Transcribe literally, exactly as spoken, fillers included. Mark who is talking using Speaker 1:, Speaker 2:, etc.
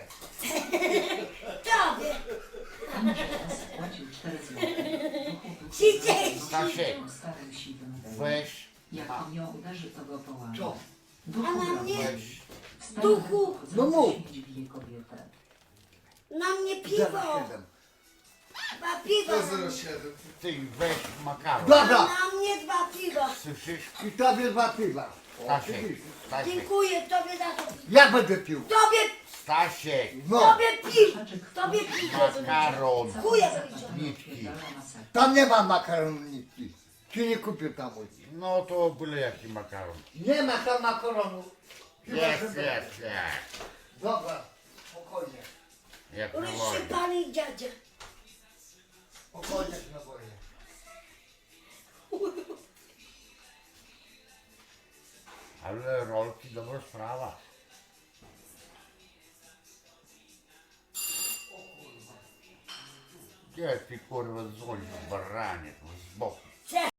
Speaker 1: Tobie.
Speaker 2: Płacił cztery złote.
Speaker 1: Trzydzieści.
Speaker 3: Stasiek,
Speaker 2: Starym siwym.
Speaker 3: weź,
Speaker 2: Jak on ją uderzy, to go połamie.
Speaker 4: Co?
Speaker 1: A na mnie,
Speaker 3: weź.
Speaker 1: duchu,
Speaker 4: No mów.
Speaker 2: Bije kobietę.
Speaker 1: na mnie
Speaker 4: zero
Speaker 1: piwo.
Speaker 4: siedem.
Speaker 1: Dwa piwa.
Speaker 5: zero siedem.
Speaker 3: Ty weź makaron.
Speaker 4: Dobra.
Speaker 1: Na mnie dwa piwa.
Speaker 3: Słyszysz?
Speaker 4: I tobie dwa piwa.
Speaker 3: Stasiek,
Speaker 4: Oczywiście.
Speaker 3: Stasiek,
Speaker 1: Dziękuję tobie za to.
Speaker 4: Ja będę pił.
Speaker 1: Tobie,
Speaker 3: Stasiek,
Speaker 4: No.
Speaker 1: tobie piw. Tobie piwo.
Speaker 3: makaron.
Speaker 1: Dziękuję bardzo.
Speaker 3: Nitki.
Speaker 4: Tam nie ma makaroniki. Ci nie kupię tam.
Speaker 3: No to byle jaki makaron.
Speaker 4: Nie ma tam makaronu. Chyba,
Speaker 3: Jest,
Speaker 4: że-
Speaker 3: jest, jest.
Speaker 4: Dobra, spokojnie.
Speaker 3: Jak na wojnie.
Speaker 1: Rozsypany dziadzia.
Speaker 4: Spokojnie na wojnie.
Speaker 3: Ale rolki dobra sprawa. Gdzie ty kurwa dzwonisz, baranie, z boku?